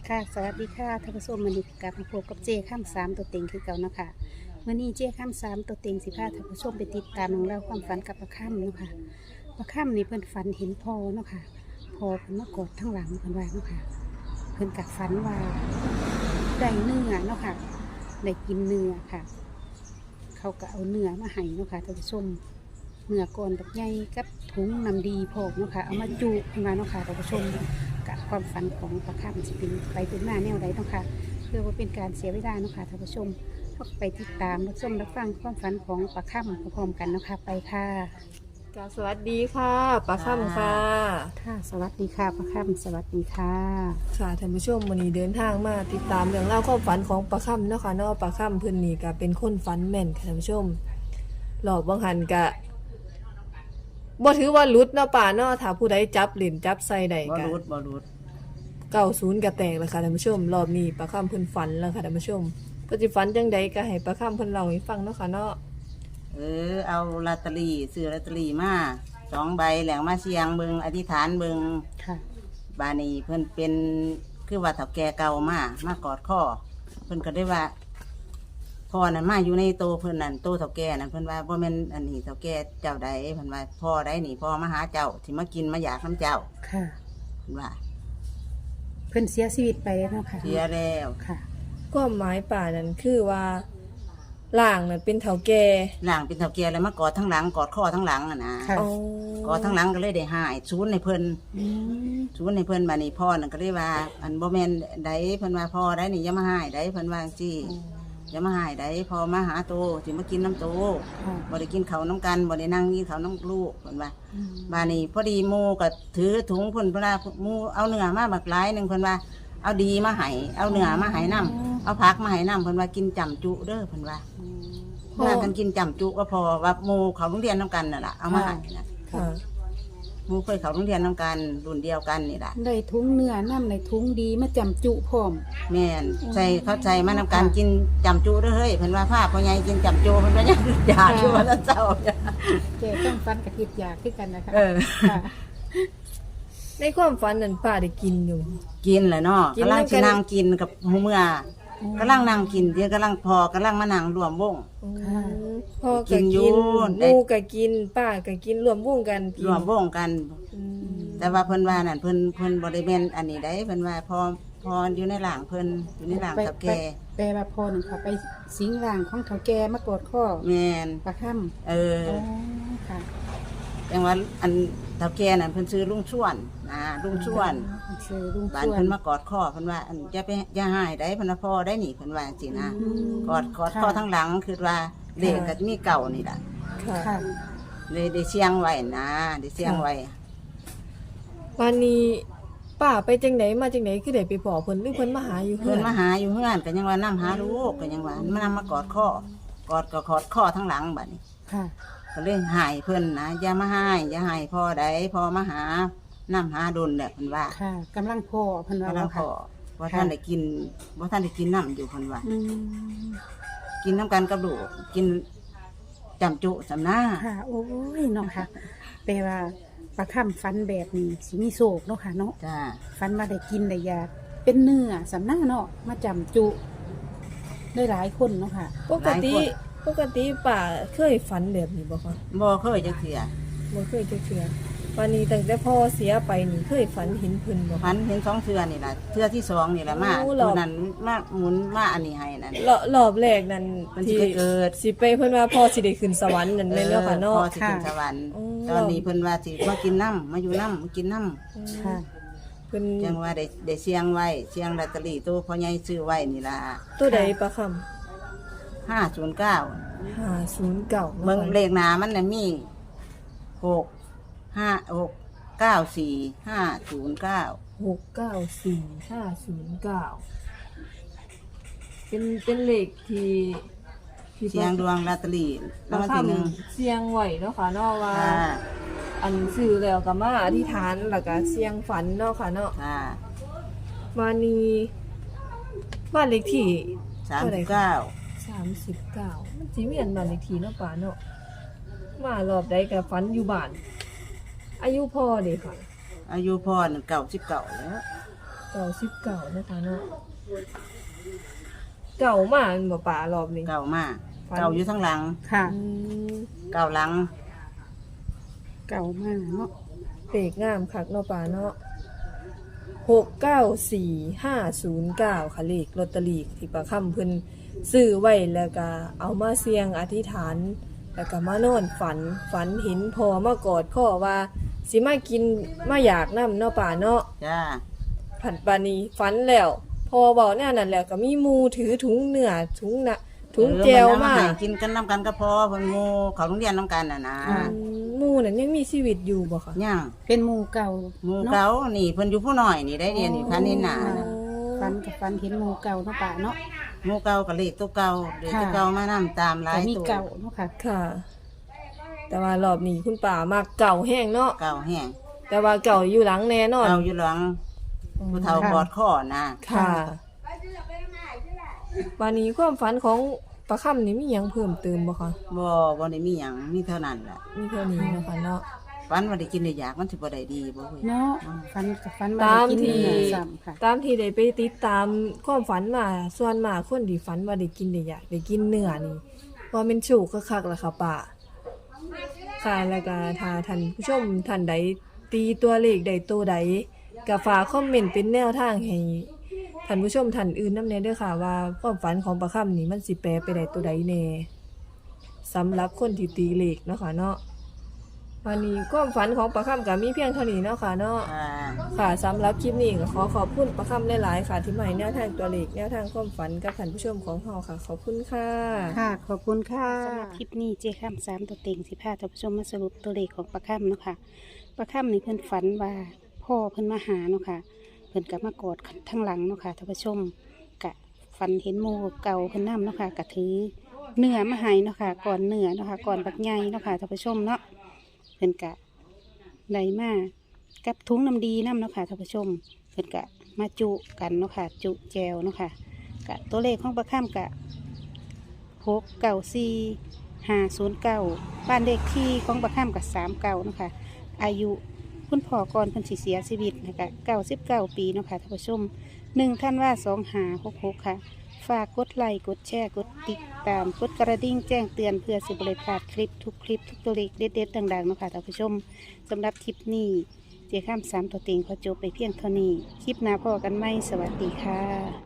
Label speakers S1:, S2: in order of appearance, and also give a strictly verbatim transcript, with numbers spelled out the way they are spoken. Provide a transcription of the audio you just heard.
S1: ค่ะสวัสดีค่ะท่านผู้ชมวันนี้กลับมาพบกับเจข้ามสามตัวเต็งคือเก่าเนาะค่ะวันนี้เจข้ามสามตัวเต็งสิพาท่านผู้ชมไปติดตามเรื่องเล่าวความฝันกับประค่ำเนาะค่ะประค่ำนี่เพิ่นฝันเห็นพ่อเนาะค่ะพ่อเพิ่นมากอดทั้งหลังเพิ่นว่าเนาะค่ะเพิ่นกับฝันว่าได้เนื้อเนาะค่ะได้กินเนื้อค่ะ เขาก็เอาเนื้อมาให้เนาะค่ะท่านผู้ชมเนื้อก่อนแบบใหญ่กับถุงน้ำดีพอกเนาะค่ะเอามาจุขึ้นมาเนาะค่ะท่านผู้ชมกับความฝันของประค่ำสิเป็นไปเป็นหน้าแนวใดเนาะค่ะเพื่อว่าเป็นการเสียเวลาเนาะค่ะท่านผู้ชมก็ไปติดตามรับชมรับฟังความฝันของประค่ำพร้อมๆกันเนาะค่ะไปค่ะ
S2: จ้าสวัสดีค่ะปลาค่ำค่ะ
S1: ค่ะสวัสดีค่ะประค่ำสวัสดีค่ะ
S2: ค่ะท่านผู้ชมวันนี้เดินทางมาติดตามเรื่องเล่าวความฝันของปลาค่ำเนาะค่ะเนาะปลาค่ำเพิ่นนี่ก็เป็นคนฝันแม่นค่ะท่านผู้ชมหลอกบางหันก็บ่ถือว่าหลุดเนาะป่าเนาะถ้าผู้ใดจับหลินจับใส่ได้
S3: บอ
S2: ก็
S3: รูดบอรูด
S2: เก้าสิบก็แตกแล้วค่ะท่านผู้ชมรอบนี้ปลาค่ำเพิ่นฝันแล้วค่ะท่านผู้ชมเพิ่นสิฝันจังใดก็ให้ปลาค่ำเพิ่นเล่าให้ฟังเนาะค่ะเนาะ
S3: เออเอาลอตเตอรี่ซื้อลอตเตอรี่มาสองใบแหลงมาเสียงเบิงอธิษฐานเบิง
S1: ค่ะ
S3: บานีเพิ่นเป็นคือว่าเฒ่าแก่เก่ามามากอดข้อเพิ่นก็ได้ว่าพ่อนั่นมาอยู่ในโตเพิ่นนั่นโตเฒ่าแก่นั่นเพิ่นว่าบ่แม่นอันนี้เฒ่าแก่เจ้าใดเพิ่นว่าพ่อใดนี่พ่อมาหาเจ้าที่มากินมาอยากน้ำเจ้า
S1: ค่ะ
S3: เพิ่นว่า
S1: เพิ่นเสียชีวิตไปแล้วเนาะค่ะ
S3: เสียแล้ว
S1: ค่ะ
S2: ความหมายป่านั่นคือว่าล่างนั่นเป็นเฒ่าแก่
S3: หลังเป็นเฒ่าแก่แล้วมากอดทั้งหลังกอดข้อทั้งหลังอ่ะนะ
S1: ค่ะ
S2: อ๋อก
S3: อดทั้งหลังก็เลยได้หายศูนย์ในเพิ่น
S1: อืม
S3: ชวนให้เพิ่นบานี่พ่อนั่นก็ได้ว่า อันบ่แม่นใดเพิ่นว่าพ่อได้นี่อย่ามาหายใดเพิ่นว่าจังซี่อย่ามาหายใดพ่อมาหาโตสิมากินน้ำโต
S1: ค่ะ
S3: บ่ได้กินข้าวน้ำกันบ่ได้นั่งกินข้าวน้ำลูกเพิ่นว่า
S1: อืม
S3: บานี่พอดีหมู่ก็ถือถุงเพิ่นเพิ่นว่าหมู่เอาเนื้อมาบักหลายหนึงเพิ่นว่าเอาดีมาให้เอาเนื้อมาให้นํเอาผักมาให้นํเพิ่นว่ากินจำจุเด้อเพิ่นว่า
S1: อืม
S3: พากันกินจำจุก็พอว่าหมู่เขาโรงเรียนนํกันน่ะล่ะเอามาให้นะ
S2: ค่ะ
S3: หมู่เคยเข้าโรงเรียนนํกันรุ่นเดียวกันนี่ล่ะ
S1: ได้ทุงเนื้อน้ำในทุงดีมาจำจุพร้อม
S3: แม่นใส่เข้าใจมานำการกินจำจูเด้อเฮ้ยเพิ่นว่าผ้าพ่อใหญ่กินจำจูเพิ่นว่ายังอยากอยู่ว่าเจ้า
S1: เจต้องฟันกับคิดอยากขึ้นกันนะคะ
S3: เออ
S1: ค่ะ
S2: ในความฝันนั้นป้าได้กินอยู่
S3: กินแหละเนาะ
S2: กิน
S3: กำลัง
S2: นำกั
S3: สิ
S2: น
S3: นั่งกินกับหมู่เมื่อกำลังนั่งกินเดี๋ยวกำลังพอกำลังมานั่งรวมวง
S1: ค่ะ
S2: พ่อ
S3: กิ
S2: ก็
S3: นอยู่
S2: กิน
S3: ได้
S2: หมูก็กินป้าก็กินรวมวงกันกิน
S3: รวมวงกัน
S2: อืม
S3: แต่ว่าเพิ่นว่านั่นเพิ่นเพิ่นบ่ได้แม่นอันนี้ได้เพิ่นว่าพอพออยู่ในหลางเพิ่นอยู่ในหลางกับแก
S1: แปลว่าพอหนึ่งค่ะไปสิงร่างของเขาแกมากอดข้อ
S3: แม่น
S1: ปลาค่
S3: เออ
S1: ำอ๋อค่ะ
S3: จังว่าอันเฒ่าแก่นั่นเพิ่นชื่อลุงชวนนะลุงชวน
S1: ซื้อลุง
S3: บ้าน
S1: ชวน
S3: เพิ่นมากอดคอเพิ่นว่าอันอย่าไปอย่าหายได้เพิ่นว่าพ่อได้หนิเพิ่นว่าจังซี่นะ
S1: อืม
S3: กอดกอดคอทั้งหลังคือว่าเลขก็จะมีเก่านี่ล่ะ
S2: ค่ะ
S1: ค่ะ
S3: เลยได้เสียงไว้นะได้เสียงไว้
S2: วันนี้ป้าไปจังไหนมาจังไหนคือได้ไปพอเพิ่นหรือเพิ่นมาหาอยู่
S3: เพิ่นมาหาอยู่เฮือนก็ยังว่านํหาลูกก็ยังว่ามันนำมากอดคอกอดก็กอดคอทั้งหลังบัดนี้
S1: ค่ะ
S3: ก็เลยหายเพิ่นนะอย่ามาหายอย่าหายพ่อใดพ่อมาหานํหาดนแหละเพิ่นว่า
S1: ค่ะกำลังพ่อเพันว่า
S3: กำลัง
S1: ค่ะ
S3: พ่อบ่ท่านได้กินบ่ท่านได้กินน้ำอยู่เพิ่นว่า
S1: อืม
S3: กินน้ำกันกับลูกกินจำจุสำนา
S1: ค่ะโอ้ยเนาะค่ะแปลว่าปลาค่ำฟันแบบนี้สิมีโศกเนาะค่ะเนาะ
S3: จ้า
S1: ฟันมาได้กินได้ยาเป็นเนื้อสำนักเนาะมาจำจุได้หลายคนเนาะค่ะ
S2: ปกติปกติป้าเคยฝันแบบนี้บ่คะ
S3: บ่เคยจักเทื่อ
S2: บ่เคยจักเทื่อวันนี้ตั้งแต่พ่อเสียไปนี่เคยฝันเห็นเพิ่นบ่
S3: พันเห็นสองเทื่อนี่ล่ะเทื่อที่สองนี่ล่ะมา
S2: โอ้หรอ
S3: ตัวนั้นมาหมุนมาอันนี้ให้นั่น
S2: รอบรอบแรกนั้น
S3: มันสิไปเกิด
S2: สิไปเพิ่นว่าพ่อสิได้ขึ้นสวรรค์นั่นแม่นแล้วค่ะเนาะ
S3: พ่อสิขึ้นสวรรค์
S2: อืม
S3: ตอนนี้เพิ่นว่าสิมากินน้ำมาอยู่น้ำมากินน้
S1: ค่ะ
S2: เพิ่น
S3: ำจังว่าได้ได้เสียงไว้เสียงลอตเตอรี่ตัวพ่อใหญ่ซื้อไว้นี่ล่ะ
S2: ตัวใดประคำ
S3: ห้าศูนย์เก้า
S2: ห้าศูนย์เก้า
S3: เบิ่งเลขหน้ามันน่ะมีหกห้าหกเก้าสี่ห้าศูนย์เก้า
S2: หกเก้าสี่ห้าศูนย์เก้าเป็นเป็นเลขที่ที่
S3: เสียงดวงลอตเตอรี่
S2: ประ
S3: รางวัลที่หนึ่ง
S2: คำเสียงไหวเนาะค่ะเนาะว่า
S3: ค่ะ
S2: อันซื้อแล้วก็มาอธิษฐานแล้วก็เสียงฝันเนาะค่ะเนาะ
S3: ค่ะ
S2: วันนี้บ้านเลขที่
S3: สามสิบเก้า
S2: สามสิบเก้ามันสิมีอันบ้านเลขที่เนาะป่าเนาะมารอบใดก็ฝันอยู่บ้าน อายุพ่อเด้ค่ะ
S3: อายุพ่อหนึ่งเก่าสิบเก่าแล้ว
S2: สเก่าสิบเก่านะคะเนาะเก่ามากบ่ป่ารอบนี้
S3: เก่ามาก
S2: ฝัน
S3: เก่าอยู่ทั้งหลัง
S1: ค่ะ
S2: อืม
S3: เก่าหลัง
S1: เก่ามากเนาะ
S2: เลขงามคักเนาะป่าเนาะหกเก้าสี่ห้าศูนย์เก้าค่ะเลขลอตเตอรี่ที่ประค่ำเพิ่นซื้อไว้แล้วก็เอามาเสี่ยงอธิษฐาน แล้วก็มานอนฝันฝันเห็นพอมากอดข้อว่าสิมากินมาอยากน้ำเนาะป่าเนาะ
S3: จ้า
S2: ผัดบานีฝันแล้ว พอเบาแน่นั่นแหละก็มีหมูถือถุงเนื้อถุงนะถุงแจวมา
S3: เออให้กินกันน้ำกันก็พอเพิ่นโง่เขาโรงเรียนน้ำกันน่ะนะ
S2: อืมหมูนั่นยังมีชีวิตอยู่บ่คะ
S3: ย่าง
S1: เป็นหมู่เก่า
S3: หมู่
S1: เนาะ
S3: เก่านี่เพิ่นอยู่ผู้น้อยนี่ได้เรียนอยู่คันนี้หนา
S2: อ๋อ
S1: ฟันกับฟันเห็นหมู่เก่าเนาะป่าเนาะ
S3: หมู่เก่ากับเลขตัวเก่าเลขตัว
S1: ค่ะ
S3: เก่ามานํตามหลา
S1: แต่
S3: ย
S1: มี
S3: ตัว
S1: เก่าเนาะค่ะ
S2: ค่ะ แต่ว่ารอบนี้คุณป่ามากเก่าแห้งเนาะ
S3: เก่าแห้ง
S2: แต่ว่าเก่าอยู่หลังแน่นอน
S3: เก่าอยู่หลังผู้เฒ่า
S1: ค่ะ
S3: กอดข้อนะ
S2: ค่ะวันนี้ความฝันของประคำนี่มีหยังเพิ่มเติมบ่คะ
S3: บ่บ่ได้มีหยังมีเท่านั้นแหละ
S2: มีเท่านี้เนาะคะเนาะ
S3: ฝันว่าได้กินได้อยากมันสิบ่ได้ดีบ่เว้ย
S1: เนาะฟันกับฟัน
S2: ตาม
S1: กิน
S2: ที่
S1: เนื้อซ้ำค่ะ
S2: ตามที่ได้ไปติดตามความฝันมาส่วนมากคนที่ฝันว่าได้กินได้อยากได้กินเนื้อนี่ว่าเป็นโชคคักๆล่ะค่ะป้าค่ะแล้วก็ถ้าท่านผู้ชมท่านใดตีตัวเลขใดตัวใดก็ฝากคอมเมนต์เป็นแนวทางให้ท่านผู้ชมท่านอื่นนำแน่เด้อค่ะว่าความฝันของประคำนี่มันสิแปลไปได้ตัวใดแน่สำหรับคนที่ตีเลขเนาะค่ะเนาะวันนี้ความฝันของประคำก็มีเพียงเท่านี้เนาะค่ะเนาะ
S3: อ่า
S2: ค่ะสำหรับคลิปนี้ก็ขอขอบคุณประคำหลายๆค่ะ ที่มาให้แนวทางตัวเลขแนวทางความฝันกับท่านผู้ชมของเราค่ะ ขอบคุณค่ะ
S1: ค่ะ ขอบคุณค่ะสำหรับคลิปนี้เจ้ข้ามสามตัวเต็งสิพาท่านผู้ชมมาสรุปตัวเลขของปลาข้ามเนาะค่ะปลาข้ามนี่เพิ่นฝันว่าพ่อเพิ่นมาหาเนาะค่ะเพิ่นกับมากอดทั้งหลังเนาะค่ะท่านผู้ชมกะฝันเห็นหมู่เก่าเพิ่นนํเนาะค่ะกะถือเนื้อมาให้เนาะค่ะก่อนเนื้อเนาะค่ะก่อนบักใหญ่เนาะค่ะท่านผู้ชมเนาะเพิ่นกะได้มากับถุงน้ำดีน้ำเนาะค่ะท่านผู้ชมเพิ่นกะมาจุกันเนาะค่ะจุแจวเนาะค่ะกะตัวเลขของปลาข้ามกะ หกเก้าสี่ห้าศูนย์เก้าบ้านเลขที่ของประข้ามกับสามเก้านะคะ อายุคุณพ่อก่อนเพิ่นสิเสียชีวิตนะคะเก้าสิบเก้าปีเนาะคะท่านผู้ชมหนึ่งท่านว่าสองหาหกหกค่ะ ฝากกดไลค์กดแชร์กดติดตามกดกระดิ่งแจ้งเตือนเพื่อสิบริพลาดคลิปทุกคลิปทุกตัวเลขเด็ดๆดังๆเนาะคะท่านผู้ชมสำหรับคลิปนี้เจ้าข้ามสามตัวเต็งขอจบไปเพียงเท่านี้ คลิปหน้าพอกันไหมสวัสดีค่ะ